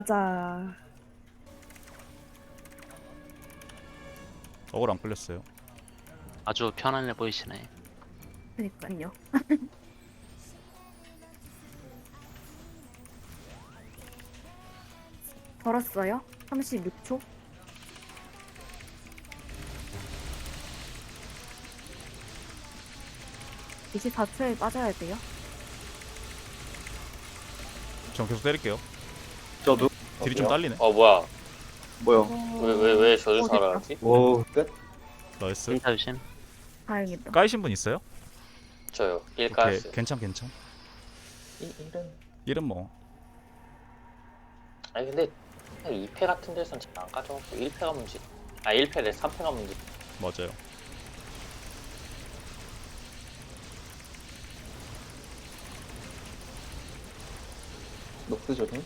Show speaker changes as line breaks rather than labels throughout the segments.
맞아.
억울 안 끌렸어요.
아주 편안해 보이시네.
그니까요. 걸었어요? 36초? 이제 4초에 빠져야 돼요.
전 계속 때릴게요.
저도.
딜이 좀 딸리네.
뭐야?
뭐요?
왜 저주
됐다.
살아나지?
오, 끝?
나이스.
인사 조심.
다행이다.
까이신 분 있어요?
저요.
오케이.
1가스.
괜찮.
이런.
일은 뭐.
아니 근데 2패 같은 데서는 잘 안 가져가고 1패가 문제. 1패래 3패가 문제.
맞아요.
녹스 조심.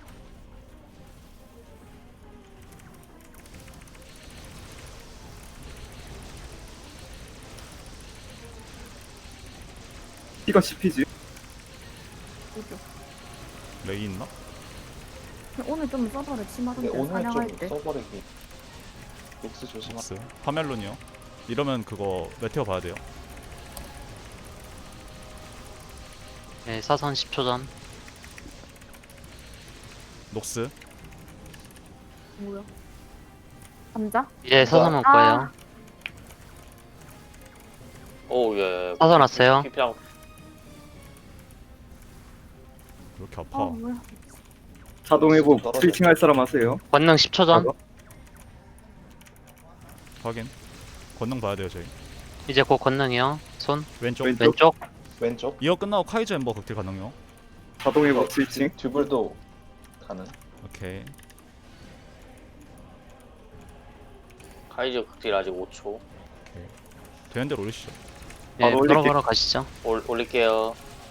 피가 씹히지?
그죠.
레이 있나?
근데 오늘 좀 서버를 심하던데 사냥할 때.
써버리기. 녹스 조심하.
녹스. 파멜론이요. 이러면 그거 메테오 봐야 돼요.
네, 사선 10초 전.
녹스.
뭐야? 감자?
이제 사선 올
아.
거예요.
오 예.
사선 왔어요.
피피랑
왜 이렇게 아파?
뭐야?
자동 회복 스위칭 할 사람 하세요.
권능 10초 전.
확인. 권능 봐야 돼요 저희.
이제 곧 권능이요. 손
왼쪽.
왼쪽.
왼쪽.
왼쪽
이어 끝나고 카이저 엠버 극딜 가능요.
자동 회복 스위칭.
듀블도 가능.
오케이.
카이저 극딜 아직 5초.
되는 대로 올리시죠.
예,
바로 올릴게.
바로 가시죠.
올릴게요.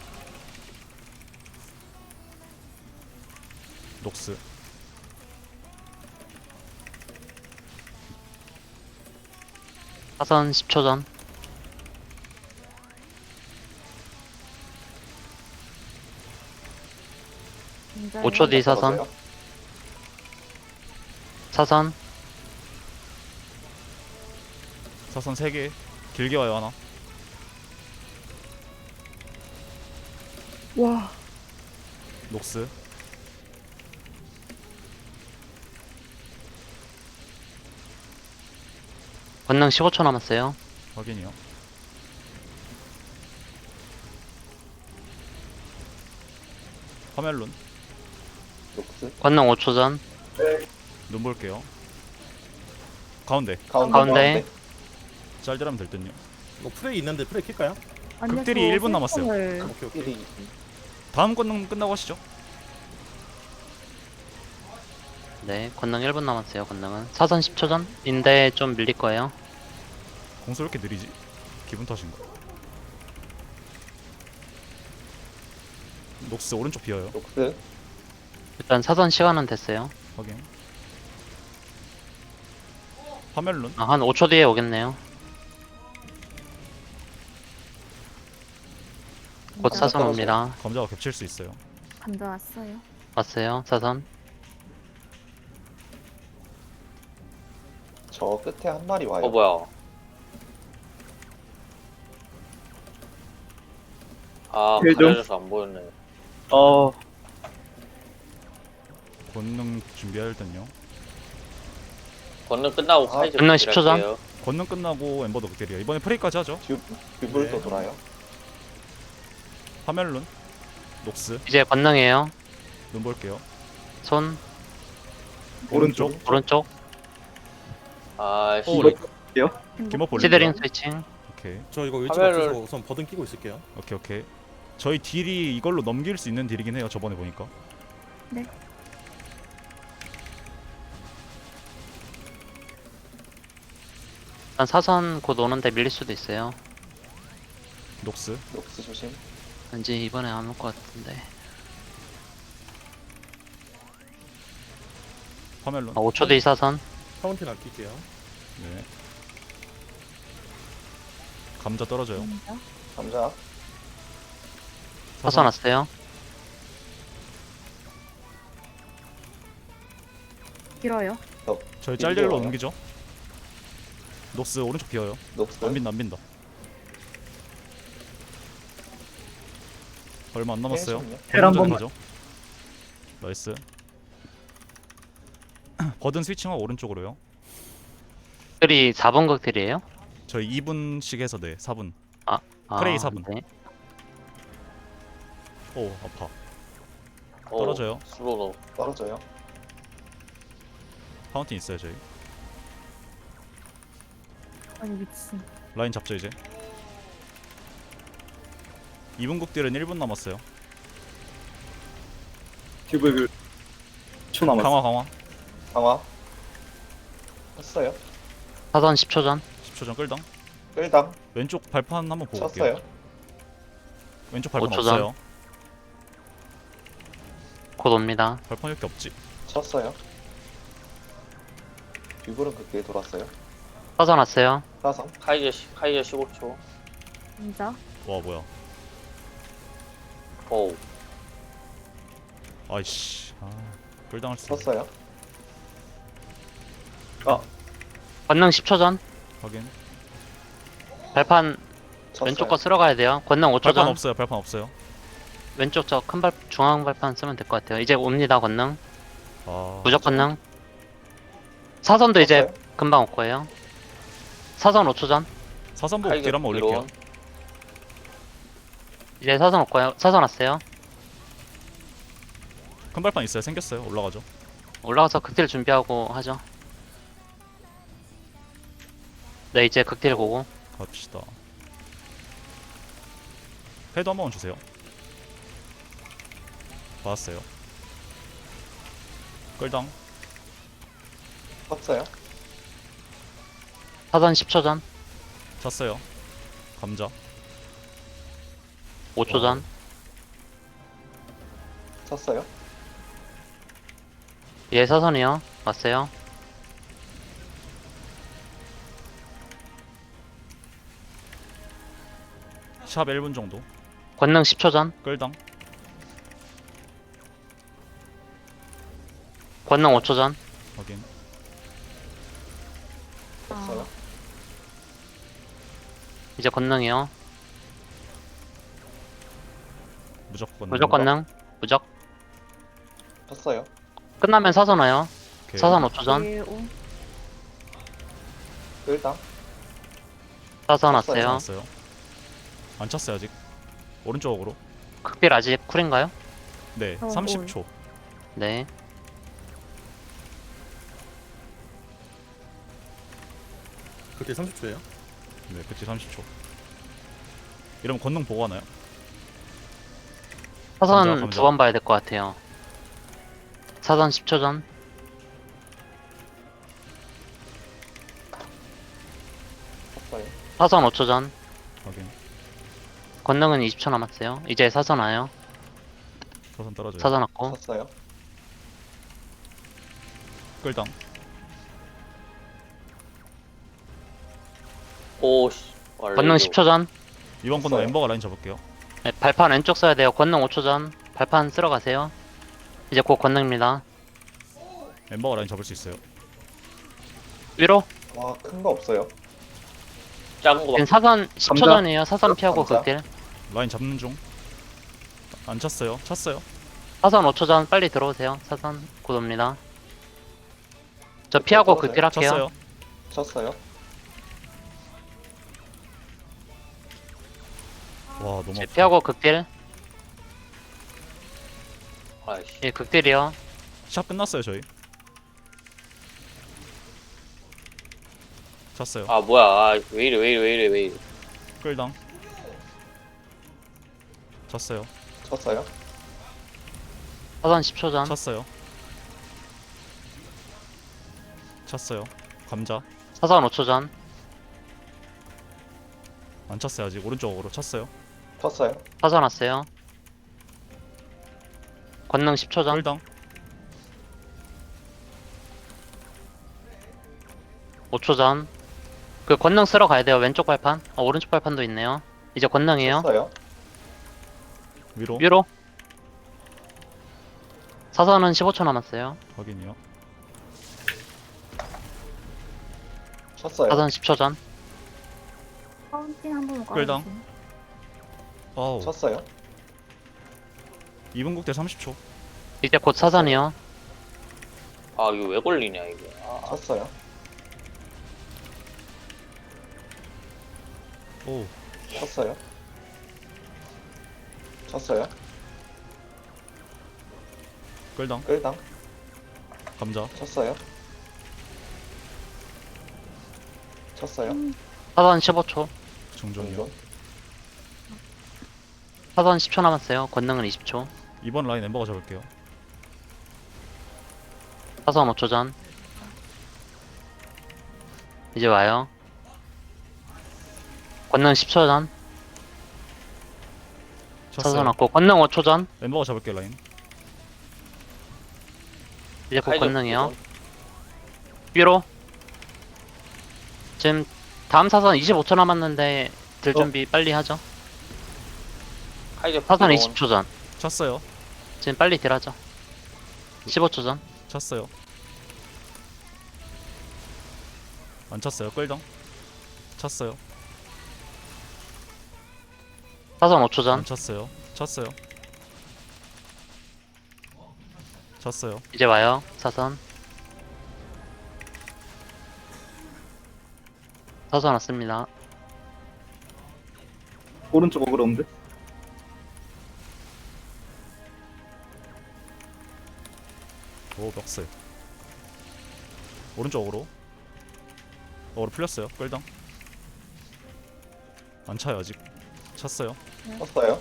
녹스.
사선 10초 전.
감자.
5초 뒤 사선.
떨어져요?
사선.
사선 3개. 길게 와요 하나.
와.
녹스.
권능 15초 남았어요.
확인이요. 파멜론.
녹스
권능 5초 전.
눈 볼게요. 가운데.
가운데.
짤짤하면 될 듯요.
뭐 프레이 있는데 프레이 킬까요?
아니요,
극딜이
저
1분 남았어요.
생선을
오케이 오케이.
필이
다음 권능 끝나고 하시죠.
네, 권능 1분 남았어요. 권능은 사선 10초 전인데 좀 밀릴 거예요.
공수 왜 이렇게 느리지? 기분 탓인가? 녹스 오른쪽 비어요.
녹스
일단 사선 시간은 됐어요.
확인. 파멜론.
한 5초 뒤에 오겠네요. 곧
감자
사선 옵니다.
감자가 겹칠 수 있어요.
감자 왔어요.
왔어요. 사선.
저 끝에 한 마리 와요.
뭐야?
힐 좀.
가려져서 안 보였네.
권능 준비할 땐요.
권능 끝나고 카이저
권능
극딜
10초 전.
할게요.
권능 끝나고 엠버도 극딜이야. 이번에 프레이까지 하죠.
듀블도
네.
돌아요.
파멜론. 녹스.
이제 권능이에요.
눈 볼게요.
손
오른쪽.
오른쪽.
오,
씨.
렉. 기모 볼링.
시드링 스위칭.
오케이.
저 이거 위치가
카메라를-
없어서 우선 버든 끼고 있을게요.
오케이. 저희 딜이 이걸로 넘길 수 있는 딜이긴 해요. 저번에 보니까.
일단 사선 곧 오는데 밀릴 수도 있어요.
녹스.
녹스 조심.
왠지 이번에 안 올 것 같은데.
파멜론.
5초 뒤 사선.
파운틴 아낄게요.
네. 감자 떨어져요.
감자
사선 왔어요.
길어요.
저희 짤딜로
와요.
옮기죠. 녹스 오른쪽 비어요.
녹스.
안 빈다 안 빈다. 얼마 안 남았어요.
헬 한 번만.
가죠. 나이스. 버든 스위칭하고 오른쪽으로요.
극딜이 4번 극딜이에요?
저희 2분씩 해서 네 4분.
아,
프레이 4분.
네.
오 아파.
오,
떨어져요.
슬로우.
떨어져요.
파운틴 있어요 저희.
아니 미친.
라인 잡죠 이제. 2분 국딜은 1분 남았어요.
듀브 10초 남았어.
강화 강화.
강화. 했어요.
사선 10초 전.
10초 전 끌당.
끌당.
왼쪽 발판 한번 보고 올게요.
쳤어요.
왼쪽 발판
5초 전.
없어요.
곧 옵니다.
발판 이렇게 없지.
쳤어요. 듀브는 그때 돌았어요.
사선 왔어요.
사선.
카이저 15초.
진짜.
와 뭐야.
오.
아이씨. 아 끌당할 수.
쳤어요.
권능 10초 전.
확인.
발판
쳤어요.
왼쪽 거 쓸어 가야 돼요. 권능 5초
발판
전.
없어요. 발판 없어요.
왼쪽 저 큰 발 중앙 발판 쓰면 될 것 같아요. 이제 옵니다. 권능.
아
무적 권능. 사선도 이제
쳤어요.
금방 올 거예요. 사선 5초 전.
사선보
카이저
딜 한번 올릴게요.
드론.
이제 사선 올 거예요. 사선 왔어요.
큰 발판 있어요. 생겼어요. 올라가죠.
올라가서 극딜 준비하고 하죠. 네, 이제 극딜 보고.
갑시다. 헤드 한번 주세요. 받았어요. 끌당.
쳤어요.
사선 10초 전.
찼어요. 감자.
5초 전.
쳤어요.
예, 사선이요. 왔어요.
샵 1분 정도.
권능 10초 전.
끌당.
권능 5초 전.
확인.
쳤어요.
아,
이제 권능이요.
무조건.
무적 권능. 무적.
쳤어요.
끝나면 사선 와요.
오케이.
사선 5초 전.
1, 5.
끌당.
사선
쳤어요.
왔어요.
왔어요. 안 찼어요 아직. 오른쪽으로.
극딜 아직 쿨인가요?
네.
어,
30초.
네.
그때 30초예요.
네. 그치 30초. 이러면 권능 보고 하나요?
사선
감자.
두 번 봐야 될 것 같아요. 사선 10초 전.
쳤어요.
사선 5초 전.
확인.
권능은 20초 남았어요. 이제 사선 와요.
사선 떨어져요.
사선 왔고.
쳤어요.
끌당.
오씨.
권능 10초 전.
이번 권능
쳤어요.
엠버가 라인 잡을게요.
네, 발판 왼쪽 써야 돼요. 권능 5초 전. 발판 쓸어 가세요. 이제 곧 권능입니다.
엠버가 라인 잡을 수 있어요.
위로.
와, 큰 거 없어요.
작은 거
지금
막.
사선 10초
감자.
전이에요. 사선 피하고
감자.
극딜.
라인 잡는 중. 안 찼어요. 찼어요.
사선 5초 전 빨리 들어오세요. 사선 곧 옵니다. 저 피하고
떨어져요?
극딜 할게요.
찼어요.
쳤어요.
와 너무
제
아파.
피하고 극딜.
아이씨.
예, 극딜이요.
샵 끝났어요 저희. 찼어요.
아 뭐야. 아, 왜 이래.
끌당. 찼어요.
쳤어요.
사선 10초 전.
찼어요. 찼어요. 감자.
사선 5초 전.
안 찼어요 아직. 오른쪽으로 찼어요.
쳤어요.
사선 왔어요. 권능 10초 전.
끌당.
5초 전. 그 권능 쓸어 가야 돼요. 왼쪽 발판. 오른쪽 발판도 있네요. 이제 권능이에요.
쳤어요.
위로.
위로. 사선은 15초 남았어요.
확인이요.
쳤어요.
사선 10초 전.
파운틴 한 번만
끌당.
깔아주세요.
어우.
쳤어요.
2분 국대 30초.
이제 곧 사선이요.
아 이거 왜 걸리냐 이게. 아,
쳤어요.
오.
쳤어요. 쳤어요.
끌당.
끌당.
감자.
쳤어요. 쳤어요.
사선 15초.
정정이요.
정전.
사선 10초 남았어요. 권능은 20초.
이번 라인 엠버가 잡을게요.
사선 5초 전. 이제 와요. 권능 10초 전. 사선
쳤어요.
왔고 권능 5초 전.
엠버가 잡을게요 라인.
이제 곧
카이저
권능이요. 위로. 지금 다음 사선 25초 남았는데 들
어?
준비 빨리 하죠.
카이저
사선
부드러운
20초 전.
쳤어요.
지금 빨리 딜하죠. 15초 전.
쳤어요. 안 쳤어요. 끌당. 쳤어요.
사선 5초 전.
안 쳤어요. 쳤어요. 쳤어요.
이제 와요. 사선. 사선 왔습니다.
오른쪽 어그러운데?
오 멱살. 오른쪽으로. 어그로 풀렸어요. 끌당. 안 차요 아직. 쳤어요.
쳤어요.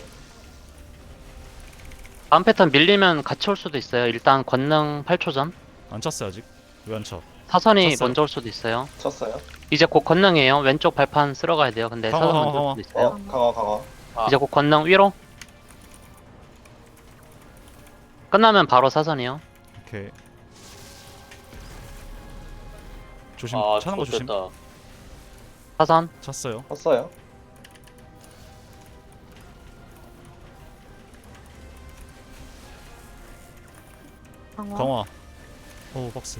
다음 패턴 밀리면 같이 올 수도 있어요. 일단 권능 8초 전.
안 쳤어요 아직. 왜 안 차?
사선이
쳤어요.
먼저 올 수도 있어요.
쳤어요.
이제 곧 권능이에요. 왼쪽 발판 쓸어 가야 돼요. 근데
강화,
사선
강화,
먼저 올 수도 있어요.
강화 강화.
아.
이제 곧 권능 위로. 끝나면 바로 사선이요.
오케이. 조심.
아
차는 거 조심.
좋겠다.
사선.
쳤어요.
쳤어요.
강화.
강화. 오 박스.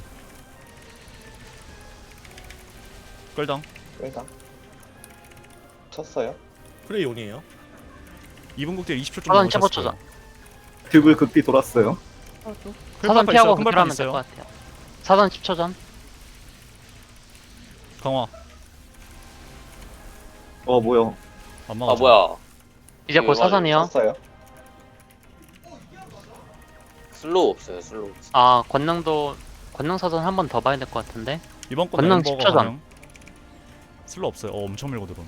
끌당.
끌당. 쳤어요.
프레이 온이에요.
2분 국대 20초 정도
사선
남았어요.
15초 전.
듀블 극비 돌았어요.
저도.
사선 피하고
큰 발판
극딜하면 될
있어요.
것 같아요. 사선 10초 전.
강화.
뭐야.
안 막아.
아 뭐야.
이제 곧
이거
사선이요.
쳤어요.
슬로우 없어요 슬로우.
아 권능도 권능 사선 한 번 더 봐야 될 것 같은데.
이번 건
권능
엠버가
10초 전.
가능. 슬로 없어요. 엄청 밀고 들어오네.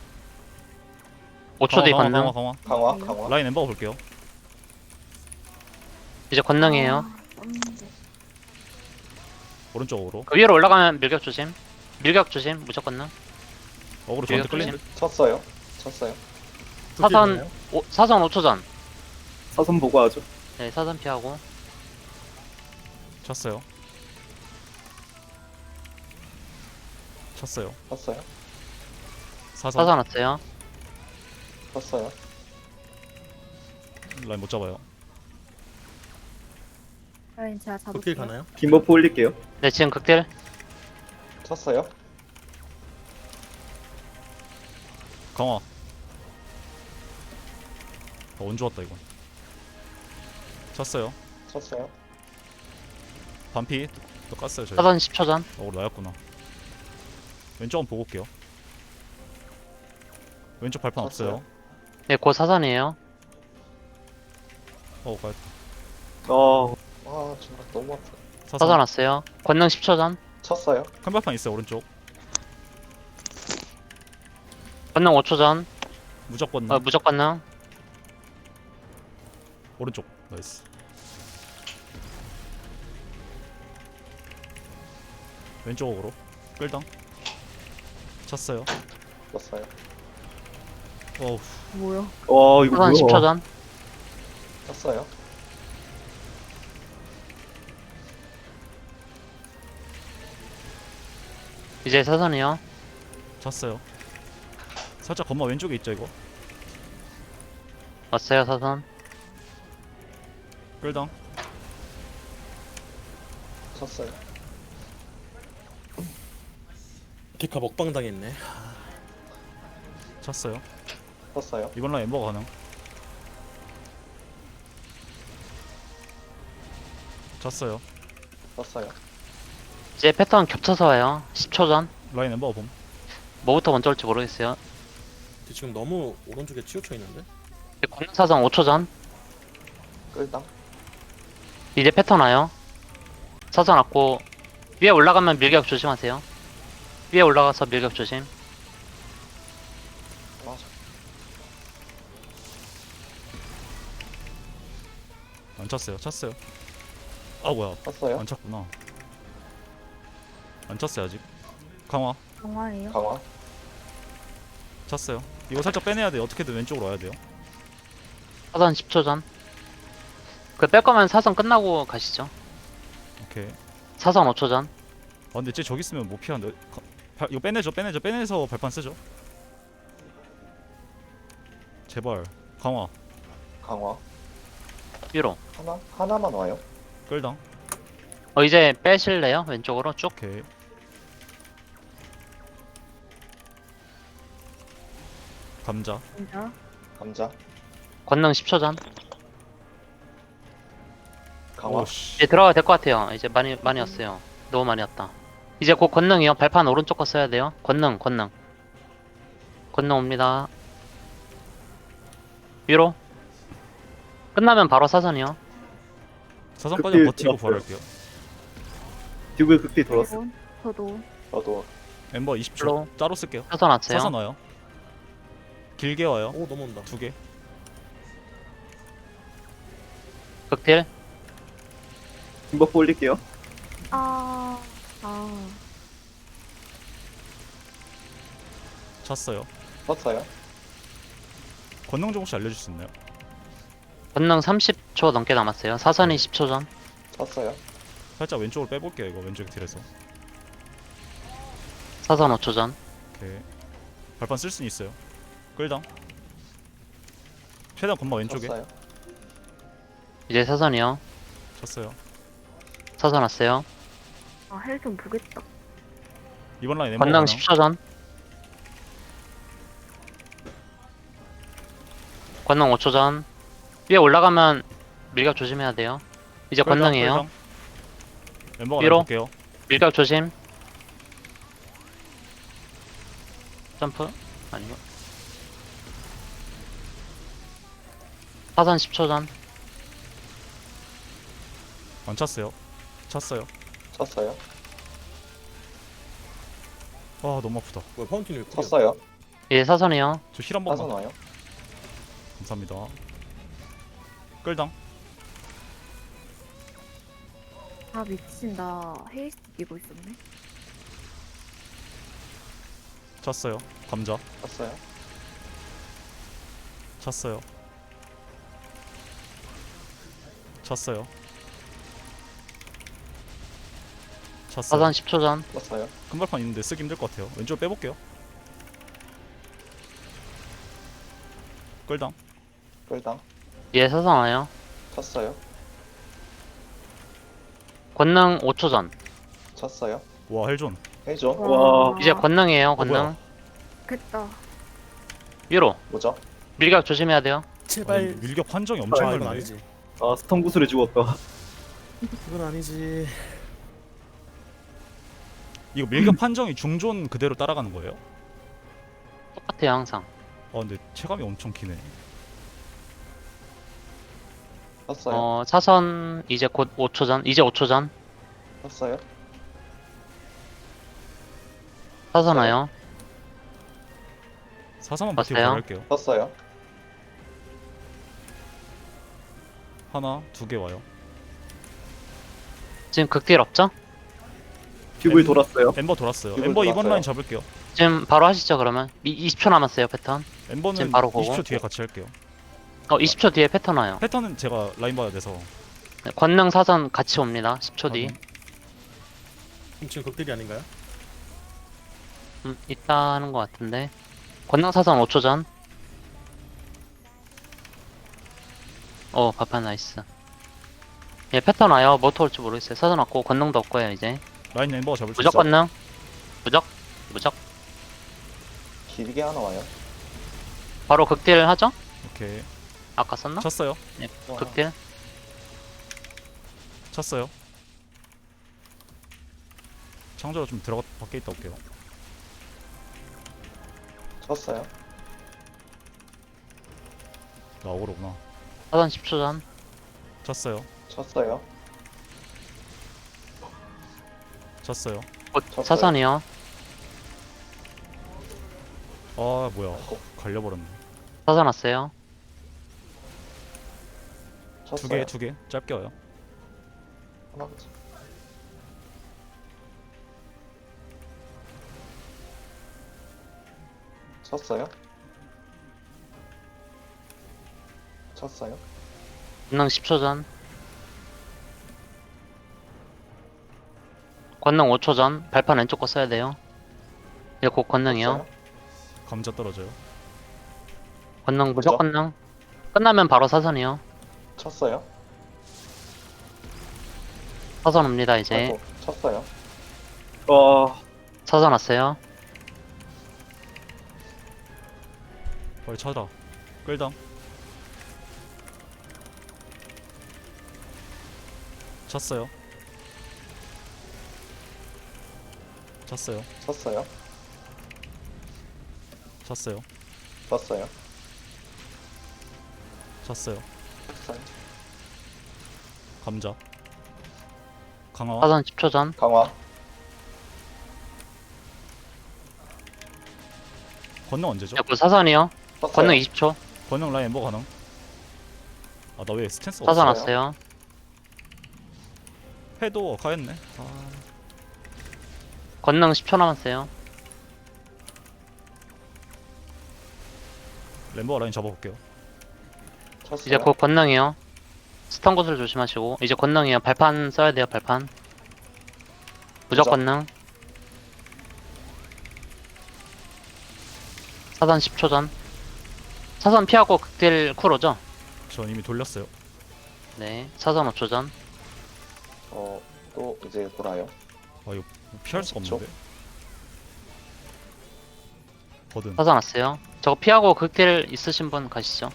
5초 뒤
강화,
권능.
강화.
강화 강화.
라인 엠버가 볼게요.
이제 권능이에요.
아, 떴는데.
오른쪽으로.
그 위로 올라가면 밀격 조심. 밀격 조심. 무조건 능.
어그로 저한테
밀격
끌린.
조심.
쳤어요. 쳤어요.
사선 사선 5초 전.
사선 보고 하죠.
네 사선 피하고.
쳤어요. 쳤어요.
쳤어요.
사선.
사선 왔어요.
쳤어요.
라인 못 잡아요.
라인 제가
극딜
잡을게요.
가나요?
뒷버프 올릴게요.
네 지금 극딜.
쳤어요.
강화. 운 좋았다 이건. 쳤어요.
쳤어요.
반피. 또 깠어요 저희.
사선 10초 전.
어그로 나였구나. 왼쪽은 보고 올게요. 왼쪽 발판
쳤어요.
없어요.
네 곧 사선이에요.
가야
아 정말 너무 아파.
사선 왔어요. 권능 10초 전.
쳤어요.
큰 발판 있어요 오른쪽.
권능 5초 전.
무조건
무조건 능.
오른쪽. 나이스. 왼쪽으로 끌당. 쳤어요.
쳤어요.
어우.
뭐야?
이거
사선 10초 전.
쳤어요.
이제 사선이요.
쳤어요. 살짝 건마 왼쪽에 있죠 이거.
왔어요 사선.
끌당.
쳤어요.
데카 먹방 당했네.
쳤어요.
쳤어요.
이번 라인 엠버가 가능. 쳤어요.
쳤어요.
이제 패턴 겹쳐서 와요. 10초 전.
라인 엠버가 봄.
뭐부터 먼저 올지 모르겠어요.
근데 지금 너무 오른쪽에 치우쳐 있는데.
이제 권능 사선 5초 전.
끌당.
이제 패턴 와요. 사선 왔고 위에 올라가면 밀격 조심하세요. 위에 올라가서 밀격 조심.
맞아.
안 쳤어요. 쳤어요. 아 뭐야?
쳤어요.
안 쳤구나. 안 쳤어요 아직. 강화.
정화예요.
강화.
쳤어요. 이거 살짝 빼내야 돼요. 어떻게든 왼쪽으로 와야 돼요.
사선 10초 전. 그 뺄 거면 사선 끝나고 가시죠.
오케이.
사선 5초 전.
아 근데 쟤 저기 있으면 못 피하는데. 이거 빼내서 발판 쓰죠. 제발. 강화.
강화.
위로.
하나만 와요.
끌당.
이제 빼실래요? 왼쪽으로 쭉.
오케이. 감자.
진짜.
감자.
권능 10초 전.
강화.
오씨.
이제 들어가야 될 것 같아요. 이제 많이 왔어요. 너무 많이 왔다. 이제 곧 권능이요. 발판 오른쪽 거 써야 돼요. 권능. 권능 옵니다. 위로. 끝나면 바로 사선이요.
사선까지
극딜
버티고
들어갔어요.
부활할게요.
듀글 극딜 돌았어.
그리고 저도
저도
엠버 20초.
슬로우.
짜로 쓸게요.
사선 왔어요.
사선 와요. 길게 와요.
오 넘어온다.
2개.
극딜.
김버프 올릴게요.
아
쳤어요.
쳤어요.
권능 좀 혹시 알려줄 수 있나요?
권능 30초 넘게 남았어요. 사선이 10초 전.
쳤어요.
살짝 왼쪽으로 빼볼게요. 이거 왼쪽 딜에서.
사선 5초 전.
오케이. 발판 쓸 수는 있어요. 끌당. 최대한 건마 왼쪽에.
쳤어요.
이제 사선이요.
쳤어요.
사선 왔어요.
헬 좀 보겠다.
이번 라인 엠버
권능
가능.
10초 전. 권능 5초 전. 위에 올라가면 밀격 조심해야 돼요. 이제
끌당,
권능이에요.
끌당. 엠버가
위로.
볼게요.
밀격 조심. 점프? 아니고. 사선 10초 전.
안 쳤어요. 쳤어요.
쳤어요.
아 너무 아프다.
뭐야 파운틴이 왜 쿨이야?
쳤어요.
이제 사선이요.
저 힐 한
사선
번만.
와요.
감사합니다. 끌당.
아 미친 나 헤이스트 끼고 있었네.
쳤어요. 감자.
쳤어요.
쳤어요. 쳤어요. 쳤어요.
사선 10초 전.
쳤어요.
큰 발판 있는데 쓰기 힘들 것 같아요. 왼쪽으로 빼볼게요. 끌당.
끌당.
이제 사선 와요.
쳤어요.
권능 5초 전.
쳤어요.
와 헬존.
해줘.
와.
이제 권능이에요.
뭐야?
권능.
됐다.
위로.
뭐죠?
밀격 조심해야 돼요.
제발.
아니, 밀격 판정이 엄청
아 이건
넓네.
아니지.
아 스턴 구슬에 죽었다.
이건 아니지.
이거 밀격 판정이 중존 그대로 따라가는 거예요?
똑같아요 항상.
근데 체감이 엄청 기네.
쳤어요.
사선 이제 곧 5초 전. 이제 5초 전.
쳤어요.
사선 와요.
사사만 버티고
왔어요?
갈게요.
쳤어요.
하나, 2개 와요.
지금 극딜 없죠?
듀글 돌았어요.
엠버 돌았어요.
이걸
엠버 이번
돌았어요.
라인 잡을게요.
지금 바로 하시죠 그러면. 20초 남았어요 패턴.
엠버는
지금 바로 보고.
20초 뒤에 같이 할게요.
20초 뒤에 패턴 와요.
패턴은 제가 라인 봐야 돼서.
네, 권능 사선 같이 옵니다. 10초 뒤.
그럼 지금 극딜이 아닌가요?
있다는 것 같은데. 권능 사선 5초 전. 바판 나이스. 예, 패턴 와요. 뭐 올지 모르겠어요. 사선 왔고 권능도 없고요 이제.
라인 엠버가 잡을 수
무적
있어.
권능. 무적. 무적.
길게 하나 와요.
바로 극딜 하죠?
오케이.
아까 썼나?
쳤어요.
극딜.
쳤어요. 창조로 좀 들어가 밖에 있다 올게요.
쳤어요.
나 억울하구나.
사선 10초 전.
쳤어요.
쳤어요.
쳤어요.
곧
쳤어요.
사선이요.
아 뭐야. 걸려버렸네.
사선 왔어요.
쳤어요.
두 개. 짧게 와요.
하나만 더. 쳤어요. 쳤어요.
권능 10초 전. 권능 5초 전. 발판 왼쪽 거 써야 돼요. 이제 곧 권능이요.
쳤어요.
감자 떨어져요.
권능 무적 권능. 끝나면 바로 사선이요.
쳤어요.
사선 옵니다 이제.
아이고, 쳤어요.
사선 왔어요.
빨리 쳐다. 끌당. 쳤어요. 쳤어요.
쳤어요.
쳤어요.
쳤어요.
쳤어요.
쳤어요.
감자. 강화.
사선 10초 전.
강화.
권능 언제죠?
이제 곧 사선이요.
쳤어요.
권능 20초.
권능 라인 뭐 가능? 아 나 왜 스탠스
사선
없어?
없어요.
왔어요.
해도 가였네. 아,
권능 10초 남았어요.
램버 라인 잡아볼게요.
쳤어요.
이제 곧 권능이요. 스턴 구슬 조심하시고. 이제 권능이요. 발판 써야 돼요. 발판. 무적
무적.
권능. 사선 10초 전. 사선 피하고 극딜 쿨오죠?
전 이미 돌렸어요.
네. 사선 5초 전.
또 이제 돌아요.
아 이거 피할 수가
그쵸?
없는데. 버든.
사선 왔어요. 저거 피하고 극딜 있으신 분 가시죠.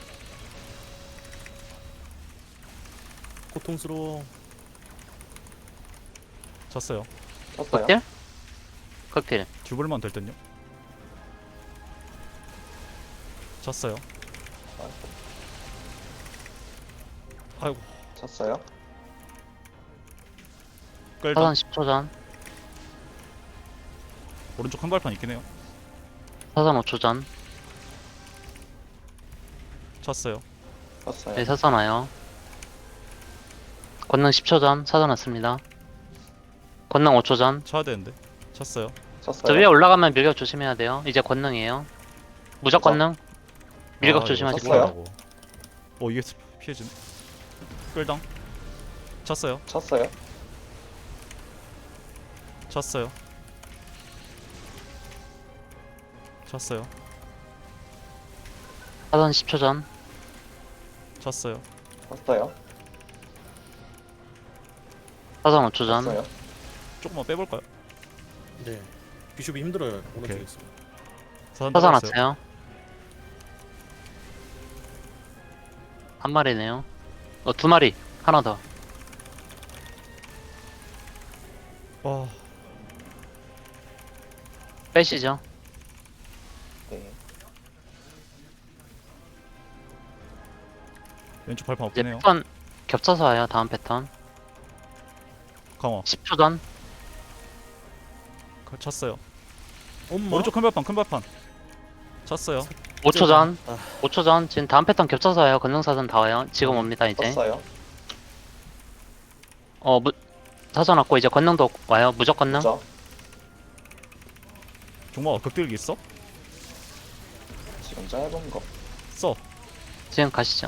고통스러워.
쳤어요.
쳤어요.
극딜? 극딜.
듀블만 될 듯요. 쳤어요.
아이고,
아이고
쳤어요.
끌당.
사선 10초 전.
오른쪽 큰 발판 있긴 해요.
사선 5초 전.
쳤어요.
쳤어요.
네, 사선 와요. 권능 10초 전. 사선 왔습니다. 권능 5초 전.
쳐야 되는데. 쳤어요.
쳤어요.
저 위에 올라가면 밀격 조심해야 돼요. 이제 권능이에요. 무적 권능. 밀격
아,
조심하시고.
쳤어요.
이거 이게 피해지네. 끌당. 쳤어요.
쳤어요.
쳤어요. 쳤어요.
사선 10초 전.
쳤어요.
쳤어요.
사선 5초 전.
쳤어요.
조금만 빼볼까요?
네. 비숍이 힘들어요. 오른쪽에
오케이.
있어.
사선
사선
들어갔어요.
왔어요. 한 마리네요. 두 마리. 하나 더.
와
빼시죠.
네.
왼쪽 발판
이제
없긴 해요.
패턴 겹쳐서 와요. 다음 패턴.
강화.
10초 전.
쳤어요.
엄마.
오른쪽 큰 발판 큰 발판. 쳤어요.
5초 전.
아.
5초 전. 지금 다음 패턴 겹쳐서 와요. 권능사선 다 와요. 지금 옵니다 이제.
쳤어요.
사선 왔고 이제 권능도 와요. 무적 권능.
쳤죠.
종마가 극딜기 있어?
지금 짧은 거.
써.
지금 가시죠.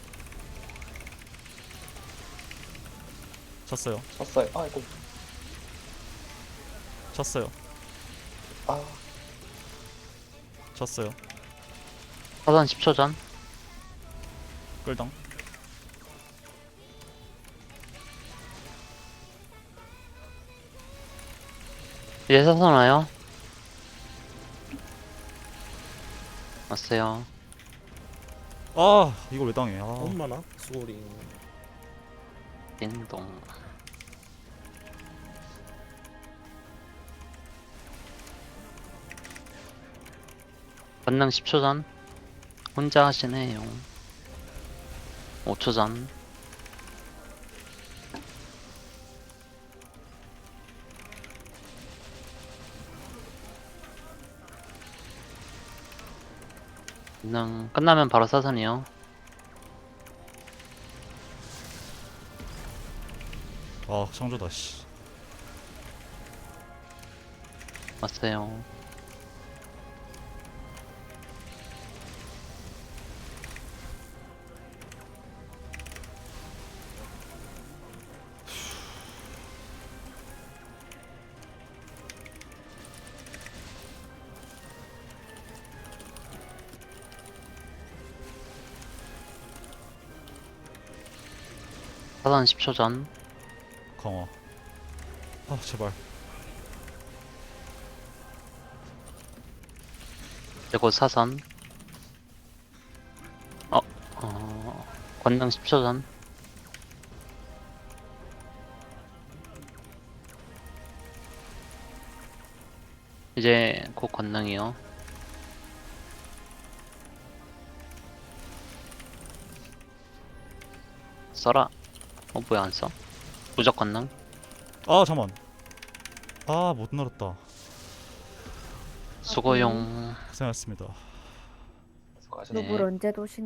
쳤어요.
쳤어요. 아이고.
쳤어요.
아,
쳤어요.
사선 10초 전.
끌당.
이제 사선 와요. 왔어요.
아 이걸 왜 당해? 아
엄마나 수고링.
띵동. 권능 10초 전. 혼자 하시네요. 5초 전. 권능 끝나면 바로 사선이요.
아 창조다 씨.
왔어요. 사선 10초 전.
강화. 아 제발.
그리고 사선. 권능 10초 전. 이제 곧 권능이요. 써라. 뭐야 안 써? 무적 권능.
아 잠만. 아 못 늘었다.
수고용.
고생하셨습니다.
수고하셨습니다.
누굴 언제 도시나